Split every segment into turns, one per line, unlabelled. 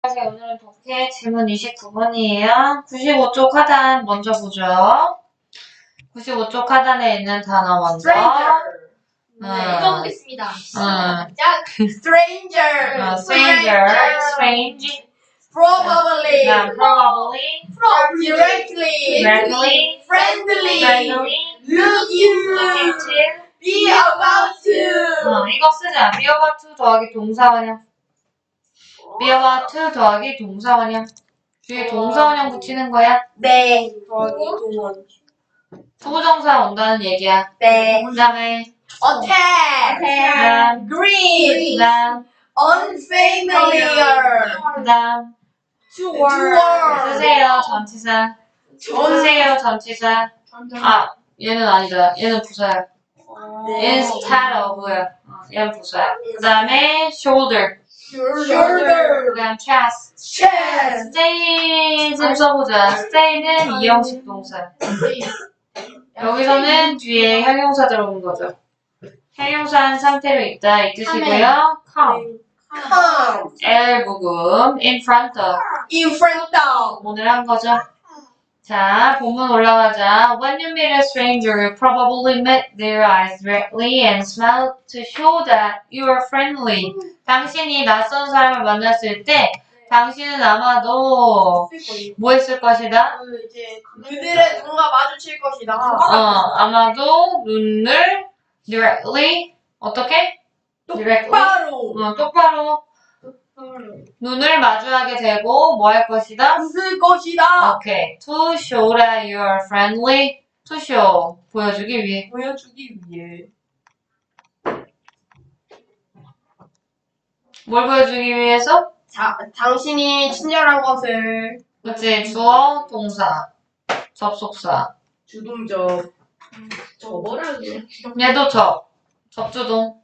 오늘은 독해 질문 29번이에요. 95쪽 하단 먼저 보죠. 95쪽 하단에 있는 단어 먼저.
읽어보겠습니다. 시작.
Stranger.
stranger, strange,
Probably.
probably,
Directly.
directly,
Friendly.
friendly,
Look you.
looking to.
Be about to.
이거 쓰자. be about to 더하기 동사원형. be about to 더하기 동사원형. 뒤에 동사원형 붙이는 거야.
네. 동원.
부정사 온다는 얘기야.
네.
그 다음에
Attack. Green.
그 다음
Unfamiliar.
그 다음
Toward.
쓰세요 전치사. 쓰세요 전치사. 얘는 아니다. 얘는 부사야. Instead of야. 얘는 부사야. 그 다음에 shoulder.
Shoulder.
그 다음 chest.
Chest.
stay 좀 써보자. stay는 이형식 동사. 여기서는 뒤에 형용사 들어온 거죠. 형용사한 상태로 있다 이 뜻이고요. come.
Come.
L 부금 in front of.
In front of.
오늘 한 거죠. 자, 본문 올라가자. When you meet a stranger, you probably meet their eyes directly and smile to show that you are friendly. 당신이 낯선 사람을 만났을 때 당신은 아마도 뭐 했을 것이다?
그들의 눈과 마주칠 것이다.
아마도 눈을 directly 어떻게?
똑바로.
똑바로 눈을 마주하게 되고 뭐 할 것이다?
웃을 것이다.
오케이. To show that you are friendly. To show. 보여주기 위해.
보여주기 위해.
뭘 보여주기 위해서?
당신이 친절한 것을.
그치. 주어, 동사, 접속사.
주동적. 저거라고.
얘도 접주동.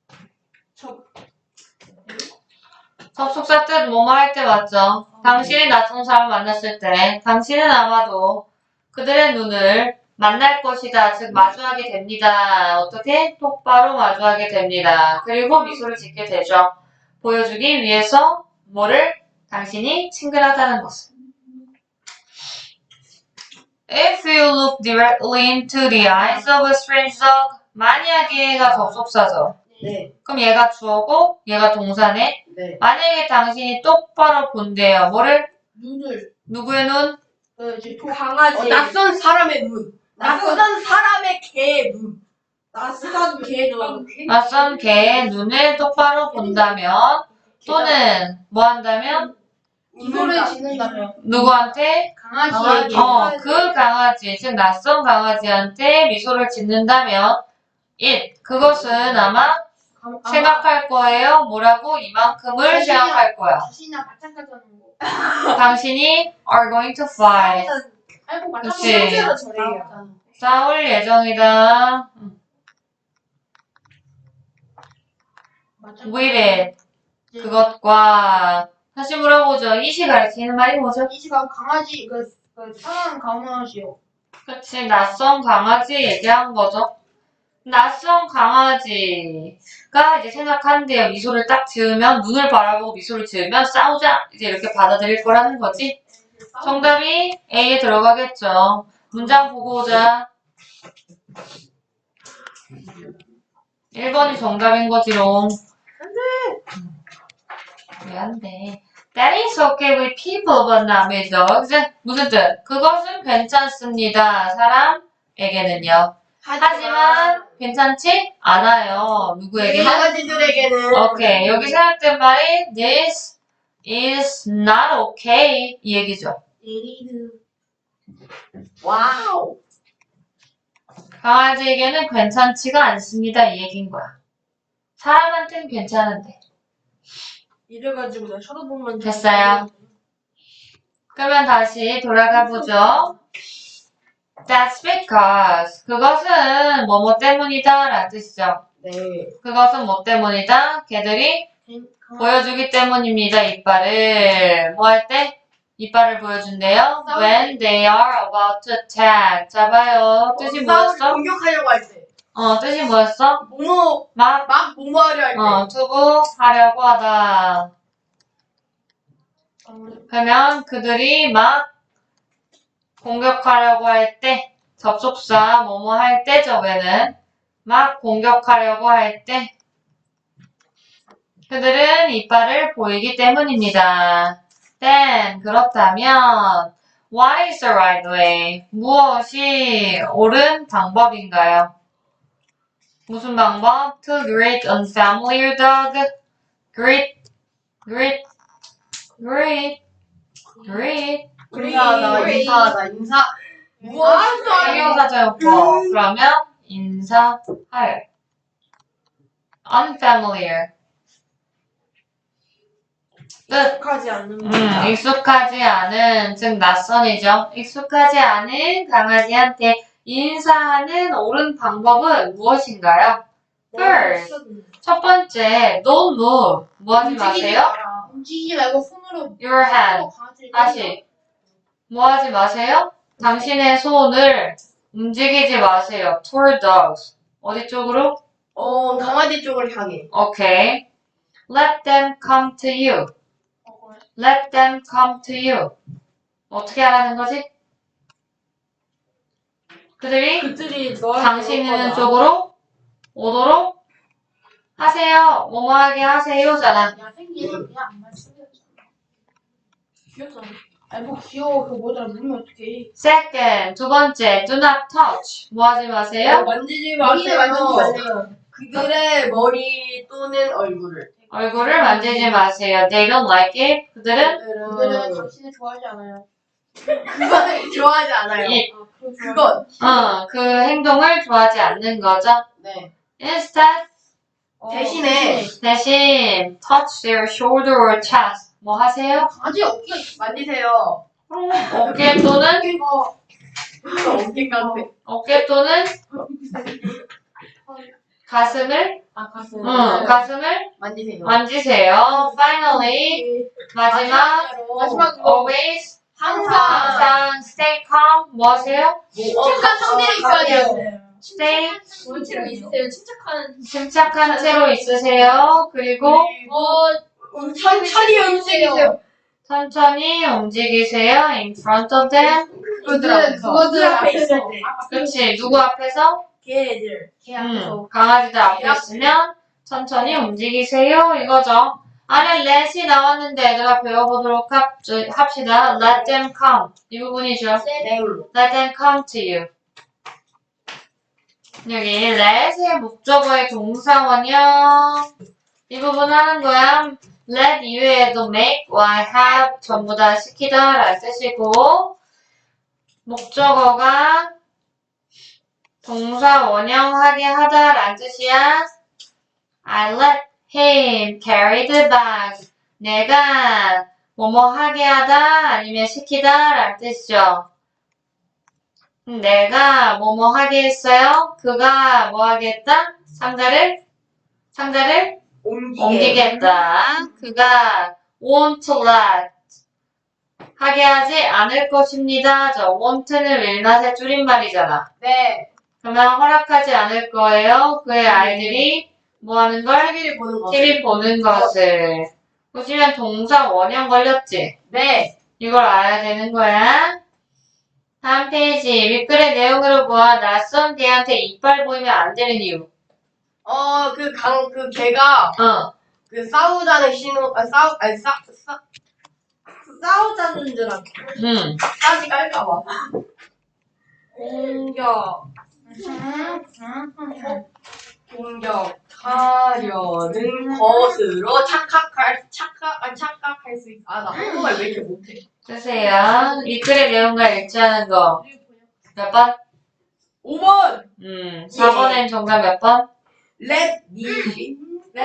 접속사 뜻 뭐뭐 할 때 맞죠? 당신이 낯선 사람을 만났을 때 당신은 아마도 그들의 눈을 만날 것이다. 즉 마주하게 됩니다. 어떻게? 똑바로 마주하게 됩니다. 그리고 미소를 짓게 되죠. 보여주기 위해서 뭐를? 당신이 친근하다는 것을. If you look directly into the eyes of a stranger, 만약에 얘가 접속사죠.
네.
그럼 얘가 주어고 얘가 동사네.
네.
만약에 당신이 똑바로 본대요. 뭐를?
눈을.
누구의 눈?
강아지. 낯선 사람의 눈. 낯선 사람의 개의 눈. 낯선 개의 눈.
낯선 개의 눈을 똑바로 본다면 또는 뭐 한다면?
미소를 짓는다면.
누구한테?
강아지에게.
그 강아지, 즉 낯선 강아지한테 미소를 짓는다면 그것은 아마 생각할 거예요. 뭐라고? 이만큼을 생각할 거야.
자신이나 마찬가지 하는 거.
당신이 are going to fight.
아이고,
그치.
저래요.
싸울 예정이다. with it. 그것과 다시 물어보죠. it이 가리키는 말이 뭐죠?
이 시간 강아지, 사람 강아지요.
그치. 낯선 강아지 얘기한 거죠. 낯선 강아지가 이제 생각한대요. 미소를 딱 지으면, 눈을 바라보고 미소를 지으면 싸우자! 이제 이렇게 받아들일 거라는 거지. 정답이 A에 들어가겠죠. 문장 보고 오자. 1번이 정답인 거지롱. 왜 안 돼? That is okay with people but not with dogs. 무슨 뜻? 그것은 괜찮습니다. 사람에게는요. 하지만 괜찮지 않아요. 누구에게는?
강아지들에게는.
오케이. 여기 생각된 말이 This is not okay 이 얘기죠.
와우.
강아지에게는 괜찮지가 않습니다 이 얘기인 거야. 사람한테는 괜찮은데.
이래가지고 나 쳐다보면
됐어요. 그러면 다시 돌아가 보죠. That's because 그것은 뭐뭐 때문이다 라는 뜻이죠.
네.
그것은 뭐 때문이다? 걔들이 보여주기 때문입니다. 이빨을 뭐 할 때? 이빨을 보여준대요. When they are about to attack. 잡아요. 뜻이 뭐였어?
공격하려고 할 때.
뜻이 뭐였어?
막 뭐뭐하려 할 때.
투부하려고 하다. 그러면 그들이 막 공격하려고 할 때, 접속사 뭐뭐 할 때 저게는 막 공격하려고 할 때 그들은 이빨을 보이기 때문입니다. Then 그렇다면 what is the right way? 무엇이 옳은 방법인가요? 무슨 방법? To greet unfamiliar dog. Greet, greet, greet, greet.
인사하다. 인사.
형용사죠. 그러면 인사할. unfamiliar. 끝.
익숙하지 않는
익숙하지 않은, 즉 낯선이죠. 익숙하지 않은 강아지한테 인사하는 옳은 방법은 무엇인가요? First, 첫 번째, don't move. 뭐 하지 마세요?
움직이지 말고 손으로
Your hand. 다시. 뭐 하지 마세요? 당신의 손을 움직이지 마세요. Toward dogs. 어디 쪽으로?
강아지 쪽을 향해.
Okay. Let them come to you. Let them come to you. 어떻게 하라는 거지? 그들이 당신 있는 쪽으로 오도록 하세요. 뭐뭐하게 하세요잖아.
야생기는 그냥 안 말씀해. 귀엽잖아. 아니 뭐 귀여워. 그 뭐더라 물면 어떡해.
Second, 두 번째, do not touch. 뭐 하지 마세요?
만지지
머리를 만지지
마세요.
마세요.
그들의 머리 또는 얼굴을.
얼굴을 만지지 마세요. They don't like it. 그들은
그들은 당신을 좋아하지 않아요.
그건 좋아하지 않아요. 그건.
그 행동을 좋아하지 않는 거죠.
네.
Instead,
대신
touch their shoulder or chest. 뭐 하세요?
강아지 어깨가
만지세요.
어깨 또는
어깨까지.
어깨 또는 가슴을 가슴을
만지세요.
만지세요. Finally, 마지막 always 항상 stay calm. 뭐 하세요?
침착한 상태로 있어야 돼요.
stay
원체로 있으세요. 침착한.
침착한 채로 있으세요. 그리고
천천히 움직이세요.
천천히 움직이세요. In front of them.
그거들 앞에 있어.
그렇지. 누구 앞에서?
걔들.
걔 앞에서.
강아지들 앞에 있으면 천천히 움직이세요. 이거죠. 안에 let이 나왔는데 얘들아 배워보도록 합시다. Let them come. 이 부분이죠. Let them come to you. 여기 let의 목적어의 동사 원형. 이 부분 하는 거야. let 이외에도 make와 have 전부 다 시키다 라는 뜻이고 목적어가 동사 원형하게 하다 라는 뜻이야. I let him carry the bag. 내가 뭐뭐 하게 하다 아니면 시키다 라는 뜻이죠. 내가 뭐뭐 하게 했어요. 그가 뭐 하겠다? 상자를 옮기겠다. 그가 won't let 하게 하지 않을 것입니다. 저 won't는 will not의 줄임말이잖아.
네.
그러면 허락하지 않을 거예요. 그의 아이들이 뭐 하는 걸? TV 보는 것을. 보시면 동사 원형 걸렸지?
네.
이걸 알아야 되는 거야. 다음 페이지. 윗글의 내용으로 보아 낯선 개한테 이빨 보이면 안 되는 이유.
걔가
어.
싸우자는 신호, 싸우자는 줄 알고. 싸지 깔까봐. 공격하려는 것으로 착각할 수 있어. 나 한국말 왜 이렇게 못해?
쓰세요. 윗글의 내용과 일치하는 거. 몇 번?
5번!
4번엔 정답 몇 번?
Let me see.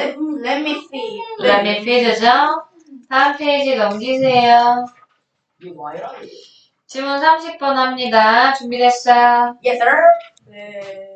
Let me feed죠? 다음 페이지 넘기세요.
이거 뭐야?
질문 30번 합니다. 준비됐어요?
Yes, sir. 네.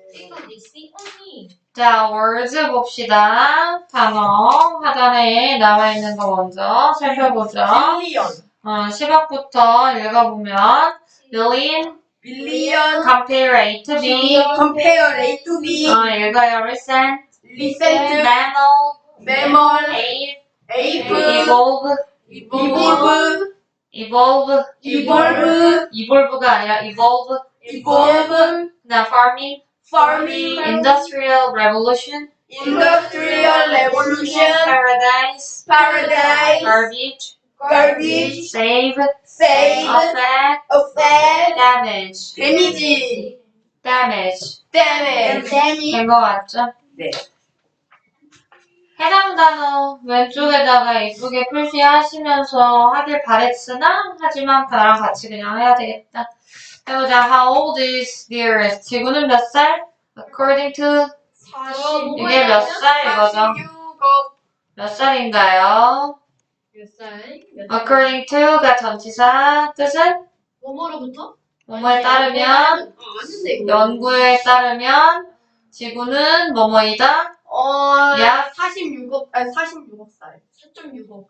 자, words 봅시다. 단어 하단에 나와 있는 거 먼저 살펴보죠.
빌리언.
10억부터 읽어보면 billion, compare A to B,
compare A to B.
읽어요. listen
listen to
mammal,
mammal,
ape,
ape,
evolve,
evolve,
evolve,
evolve,
evolve가 아니라 evolve.
evolve,
그다음 farming,
farming,
industrial revolution,
industrial revolution,
paradise,
paradise,
garbage,
garbage,
save,
save,
affect,
affect,
damage,
데미지,
damage.
damage.
된 거 맞죠?
네.
해당 단어 왼쪽에다가 이쁘게 표시하시면서 하길 바랬으나 하지만 나랑 같이 그냥 해야 되겠다. 해보자. How old is the Earth? 지구는 몇 살? According to 이게 몇 살 이거죠? 몇 살인가요?
몇 살?
According to가 전치사 뜻은
뭐뭐로부터?
뭐뭐에 따르면 연구에 따르면 지구는 뭐뭐이다? 약
46억, 아니 46억 살.
4.6억.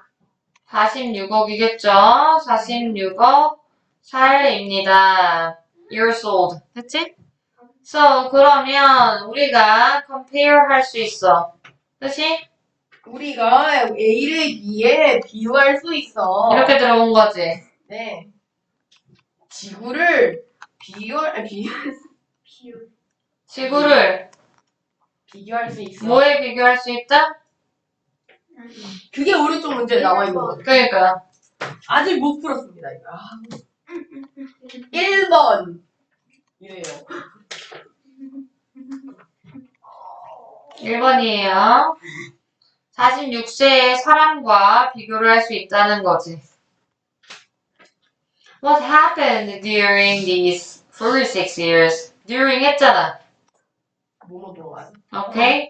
46억이겠죠? 46억 살입니다. Years old. 됐지? So, 그러면 우리가 compare 할 수 있어. 그치?
우리가 A를 B에 비유할 수 있어.
이렇게 들어온 거지.
네. 지구를 비유할
지구를
비교할 수 있어.
뭐에 비교할 수 있다?
그게 오른쪽 문제에 나와 있는 거죠.
그러니까
아직 못 풀었습니다, 이거. 1번. 이래요.
1번이에요. 46세의 사람과 비교를 할 수 있다는 거지. What happened during these 46 years? During 했잖아.
뭐뭐 동안.
오케이?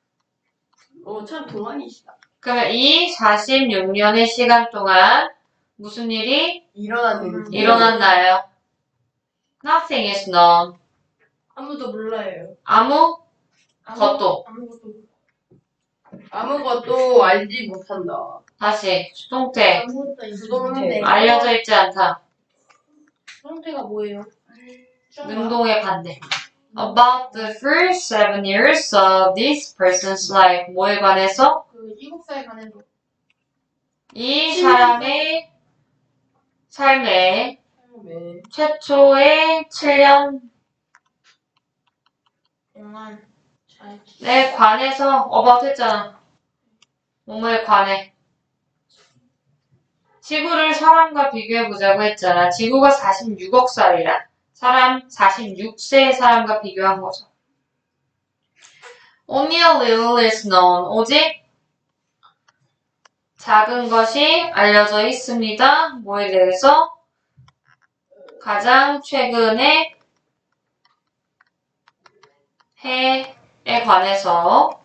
참 동안이시다.
그러면 이 46년의 시간 동안 무슨 일이 일어났나요? Nothing is known.
아무도 몰라요.
것도.
아무것도 알지 못한다.
다시 수동태.
아무것도 있어.
수동태.
알려져 있지 않다.
형태가 뭐예요?
능동의 반대. About the first 7 years of this person's life. 뭐에 관해서?
그 7살 관해서.
이 사람의 삶의
네.
최초의 7년에
동안 잘.
관해서 about 했잖아. 뭐뭐에 관해. 지구를 사람과 비교해보자고 했잖아. 지구가 46억 살이라. 46세의 사람과 비교한 거죠. Only a little is known. 오직 작은 것이 알려져 있습니다. 뭐에 대해서? 가장 최근의 해에 관해서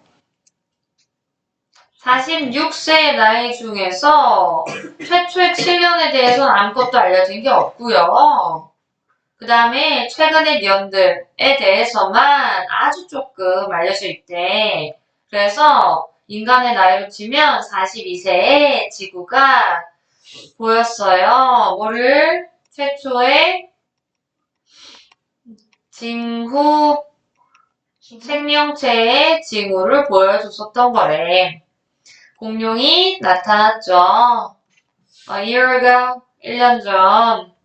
46세의 나이 중에서 최초의 7년에 대해서는 아무것도 알려진 게 없고요. 그 다음에 최근의 년들에 대해서만 아주 조금 알려져 있대. 그래서 인간의 나이로 치면 42세의 지구가 보였어요. 뭐를? 최초의 징후 생명체의 징후를 보여줬었던 거래. 공룡이 나타났죠. A year ago, 1년 전.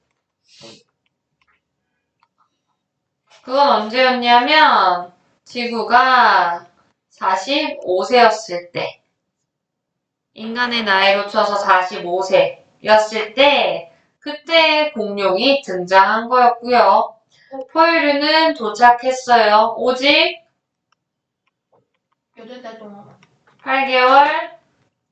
그건 언제였냐면 지구가 45세였을 때. 인간의 나이로 쳐서 45세였을 때 그때 공룡이 등장한 거였고요. 포유류는 도착했어요. 오직
8달 동안.
8개월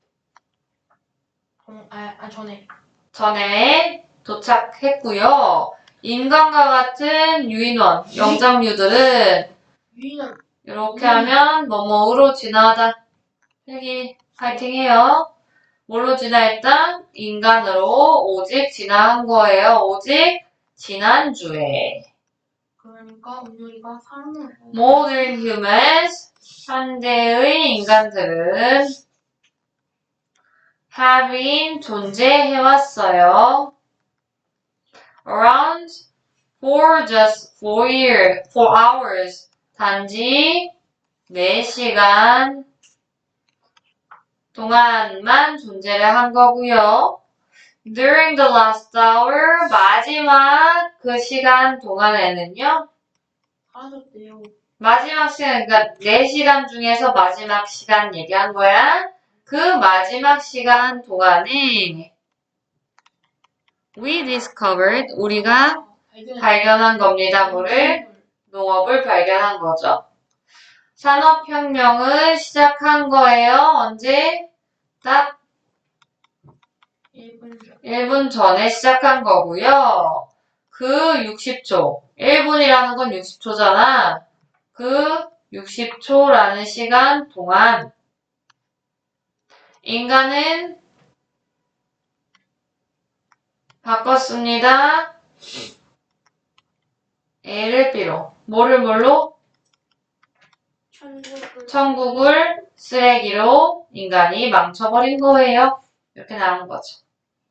전에 도착했고요. 인간과 같은 유인원, 영장류들은
유인원.
이렇게 하면 뭐뭐로 진화하다. 여기 파이팅해요. 뭘로 진화했다? 인간으로 오직 진화한 거예요. 오직 지난주에.
그러니까 우리가 사람을.
Modern humans, 현대의 인간들은 have been 존재해왔어요. Around for just 4 hours. 단지 4시간 동안만 존재를 한 거고요. During the last hour, 마지막 그 시간 동안에는요.
사라졌대요.
마지막 시간, 그러니까 4시간 중에서 마지막 시간 얘기한 거야. 그 마지막 시간 동안에 we discovered, 우리가 발견한 겁니다. 뭐를? 농업을 발견한 거죠. 산업혁명을 시작한 거예요. 언제? 딱
1분 전.
1분 전에 시작한 거고요. 그 60초, 1분이라는 건 60초잖아. 그 60초라는 시간 동안 인간은 바꿨습니다. A를 B로. 뭐를 뭘로? 천국을 쓰레기로 인간이 망쳐버린 거예요. 이렇게 나온 거죠.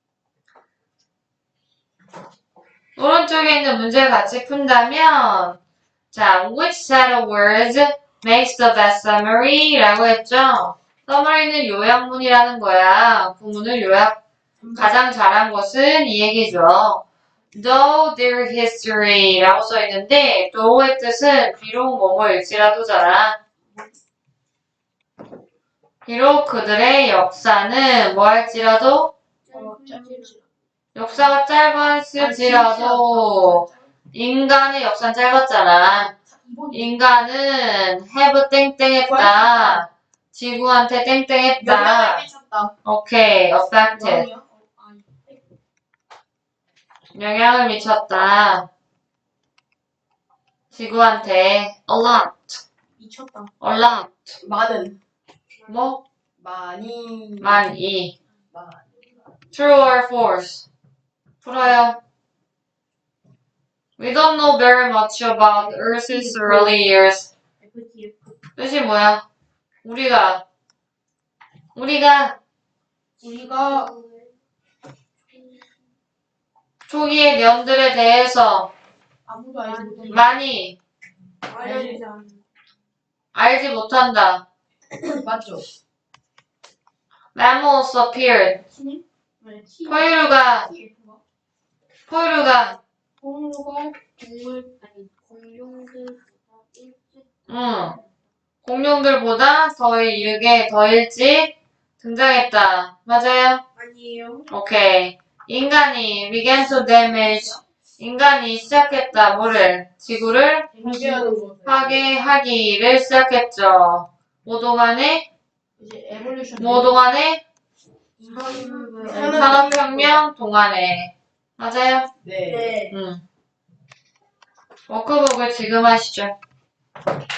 오른쪽에 있는 문제를 같이 푼다면 자, which set of words makes the best summary? 라고 했죠. summary는 요약문이라는 거야. 구문을 가장 잘한 것은 이 얘기죠. Though their history 라고 써있는데 though의 뜻은 비록 뭐뭐일지라도잖아. 비록 그들의 역사는 뭐 할지라도 역사가 짧았을지라도 인간의 역사는 짧았잖아. 인간은 have 땡땡했다. 지구한테 땡땡했다.
영향을 미쳤다.
오케이, affected. 영향을 미쳤다. 지구한테 a lot,
미쳤다.
a lot.
많은.
뭐?
많이.
많이. True or false? 풀어요. We don't know very much about Earth's early years. 뜻이 뭐야? 우리가 초기의 년들에 대해서
아무도 알지 못해.
많이 알지 못한다.
맞죠?
Mammals appeared. 포유류가 공룡들보다 더 일찍 등장했다. 맞아요?
아니에요.
오케이. 인간이 began to damage. 인간이 시작했다. 뭐를? 지구를
공개하는 거.
파괴하기를 시작했죠. 뭐 동안에?
이제 에볼루션.
뭐 동안에?
산업혁명.
산업혁명 동안에. 맞아요?
네.
워크북을 지금 하시죠.